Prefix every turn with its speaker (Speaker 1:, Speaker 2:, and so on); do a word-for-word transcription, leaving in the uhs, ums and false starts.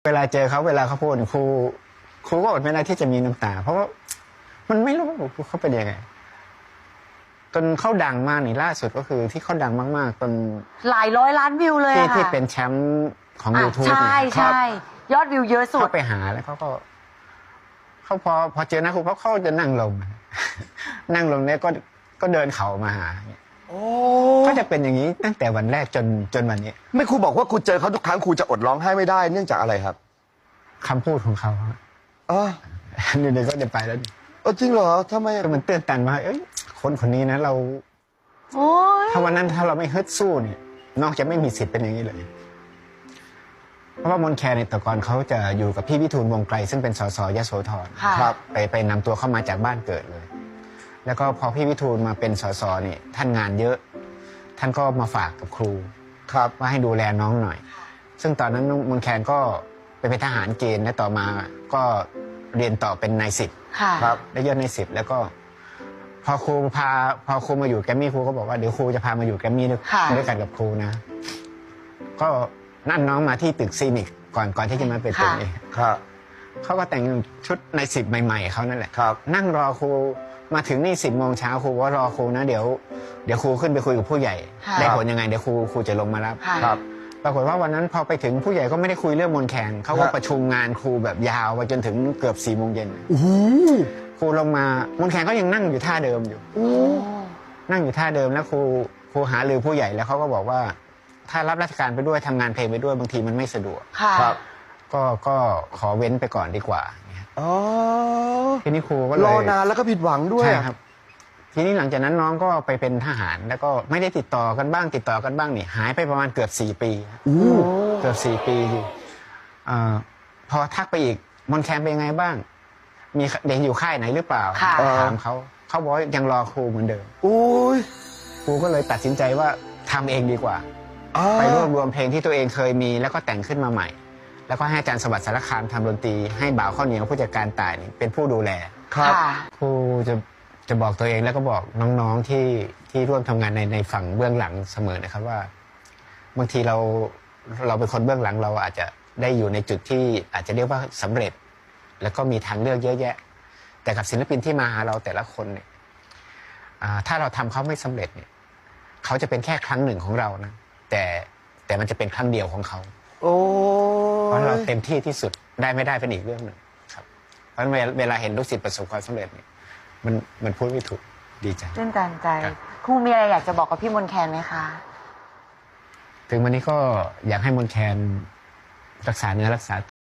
Speaker 1: เวลาเจอเขาเวลาเขาพูดครูครูก็อดไม่ได้ที่จะมีน้ำตาเพราะว่ามันไม่รู้เขาเป็นยังไงจนเขาดังมากนี่ล่าสุดก็คือที่เขาดังมากๆจน
Speaker 2: หลายร้อยล้านวิวเลย
Speaker 1: ที่
Speaker 2: ค่ะ
Speaker 1: ที่เป็นแชมป์ของ
Speaker 2: อ่ะ
Speaker 1: ยูทูบ
Speaker 2: ใช่ใช่ยอดวิวเยอะสุด
Speaker 1: เขาไปหาแล้วเขาก็เขาพอพอเจอหน้าครูเขาเขาจะนั่งลง นั่งลงเนี่ยก็ก็เดินเขามาหาก็จะเป็นอย่างนี้ตั้งแต่วันแรกจนจนวันนี้
Speaker 3: ไม่ครูบอกว่าครูเจอเขาทุกครั้งครูจะอดร้องไห้ไม่ได้เนื่องจากอะไรครับ
Speaker 1: คำพูดของเขา
Speaker 3: อ๋อ
Speaker 1: นี่เดี๋ยวก็จะไปแล้ว
Speaker 3: เออจริงเหรอทำไม
Speaker 1: ก็มันเตือนตันว่าเอ้ยคนคนนี้นะเราถ้าวันนั้นถ้าเราไม่ฮึดสู้เนี่ยนอกจะไม่มีสิทธิ์เป็นอย่างนี้เลยเพราะว่ามนแคร์ในแต่ก่อนเขาจะอยู่กับพี่วิทูลวงไกลซึ่งเป็นสสยโสธรครับไปไปนำตัวเข้ามาจากบ้านเกิดเลยแล้วก็พอพี่วิทูลมาเป็นสสเนี่ยท่านงานเยอะท่านก็มาฝากกับครูครับว่าให้ดูแลน้องหน่อยซึ่งตอนนั้นมนแคนก็ไปเป็นทหารเกณฑ์และต่อมาก็เรียนต่อเป็นนายสิบครับได้ยศนายสิบแล้วก็พอครูพาพอครูมาอยู่แกมมี่ครูก็บอกว่าเดี๋ยวครูจะพามาอยู่แกมมี่ด้วยกันกับครูนะก็นั่นน้องมาที่ตึกซีนิกก่อนก่อนที่จะมาเป็นตึกนี้ครับเขาก็แต่งชุดในสิบใหม่ๆเขานั่นแหละครับนั่งรอครูมาถึงนี่สิบโมงเช้าครูว่ารอครูนะเดี๋ยวเดี๋ยวครูขึ้นไปคุยกับผู้ใหญ่ได้ผลยังไงเดี๋ยวครูครูจะลงมารับครับปรากฏว่าวันนั้นพอไปถึงผู้ใหญ่ก็ไม่ได้คุยเรื่องมนแคนเขาก็ประชุมงานครูแบบยาวไปจนถึงเกือบสี่โมงเย็นครูลงมามนแคนก็ยังนั่งอยู่ท่าเดิมอยู่นั่งอยู่ท่าเดิมแล้วครูครูหารือผู้ใหญ่แล้วเขาก็บอกว่าถ้ารับราชการไปด้วยทำงานเพลงไปด้วยบางทีมันไม่สะดวกครับก็ก็ขอเว้นไปก่อนดีกว่าอ๋อทีนี้ครูก็เลย
Speaker 3: รอนานแล้วก็ผิดหวังด้วย
Speaker 1: ใช่ครับทีนี้หลังจากนั้นน้องก็ไปเป็นทหารแล้วก็ไม่ได้ติดต่อกันบ้างติดต่อกันบ้างนี่หายไปประมาณเกือบสี่ปีเกือบสี่ปีอยู่พอทักไปอีกมนแคนเป็นยังไงบ้างมีเด็กอยู่ค่ายไหนหรือเปล่าถามเขาเขาบอกยังรอครูเหมือนเดิมครูก็เลยตัดสินใจว่าทำเองดีกว่าไปรวบรวมเพลงที่ตัวเองเคยมีแล้วก็แต่งขึ้นมาใหม่แล้วก็ให้อาจารย์สวัสดิ์สารคามทำดนตรีให้บ่าวข้าวเหนียวผู้จัดการต่ายเป็นผู้ดูแลครับครูจะจะบอกตัวเองแล้วก็บอกน้องๆที่ที่ร่วมทำงานในในฝั่งเบื้องหลังเสมอนะครับว่าบางทีเราเราเป็นคนเบื้องหลังเราอาจจะได้อยู่ในจุดที่อาจจะเรียกว่าสำเร็จแล้วก็มีทางเลือกเยอะแยะแต่กับศิลปินที่มาหาเราแต่ละคนเนี่ยถ้าเราทำเขาไม่สำเร็จเนี่ยเขาจะเป็นแค่ครั้งหนึ่งของเรานะแต่แต่มันจะเป็นครั้งเดียวของเขาโอ้เพราะเราเต็มที่ที่สุดได้ไม่ได้เป็นอีกเรื่องหนึ่งครับเพราะเวลาเห็นลูกศิษย์ประสบความสำเร็จเนี่ยมันมันพูดไม่ถูกดีใจ
Speaker 2: ตื่นตันใจครูมีอะไรอยากจะบอกกับพี่มนแคนไหมคะ
Speaker 1: ถึงวันนี้ก็อยากให้มนแคนรักษาเนื้อรักษา